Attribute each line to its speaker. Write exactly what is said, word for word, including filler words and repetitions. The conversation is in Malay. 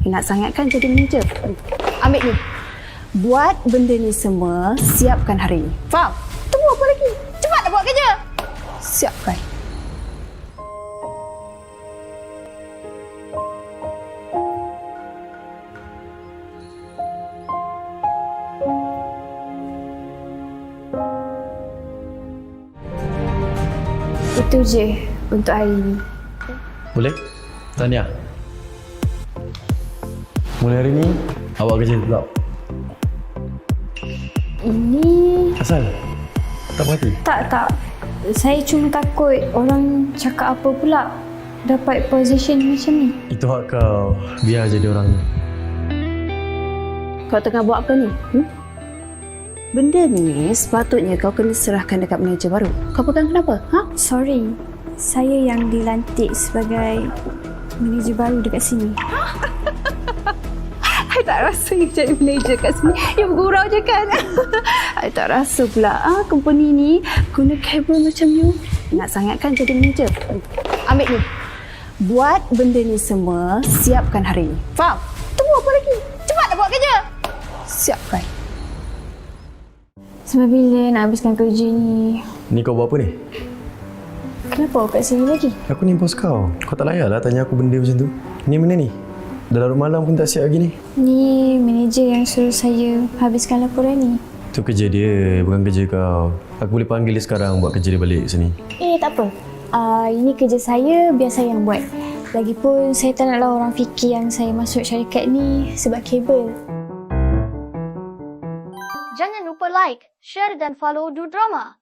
Speaker 1: Nak sangat kan jadi manager? Ambil ni. Buat benda ni semua, siapkan hari ni. Faham? Tunggu apa lagi? Cepatlah buat kerja. Siapkan. Itu je untuk hari ini.
Speaker 2: Boleh? Tahniah. Mulai hari ni, awak kerja pula.
Speaker 1: Ini...
Speaker 2: Asal? Tak puas hati?
Speaker 1: Tak, tak. Saya cuma takut orang cakap apa pula dapat position macam ni.
Speaker 2: Itu hak kau. Biar jadi orang.
Speaker 1: Kau tengah buat apa ni? Hmm? Benda ni sepatutnya kau kena serahkan dekat manager baru. Kau pegang kenapa? Ha?
Speaker 3: Sorry, saya yang dilantik sebagai manager baru dekat sini.
Speaker 1: I tak rasa you jadi manager kat sini. You bergurau je kan? I tak rasa pula ah, company ni guna kabel macam you. Nak sangat kan jadi manager? Ambil ni. Buat benda ni semua, siapkan hari ni. Faham? Tunggu apa lagi? Cepatlah buat kerja. Siapkan.
Speaker 3: Sampai bila nak habiskan kerja ni?
Speaker 2: Ni kau buat apa ni?
Speaker 3: Kenapa awak kat sini lagi?
Speaker 2: Aku ni bos kau. Kau tak layak lah tanya aku benda macam tu. Ni mana ni? Dah larut malam pun tak siap lagi ni.
Speaker 3: Ni manager yang suruh saya habiskan laporan ni.
Speaker 2: Tu kerja dia, bukan kerja kau. Aku boleh panggil dia sekarang buat kerja dia balik sini.
Speaker 3: Eh, tak apa. Uh, ini kerja saya, biar saya yang buat. Lagipun saya tak naklah orang fikir yang saya masuk syarikat ni sebab kabel.
Speaker 4: Jangan lupa like, share dan follow Du Drama.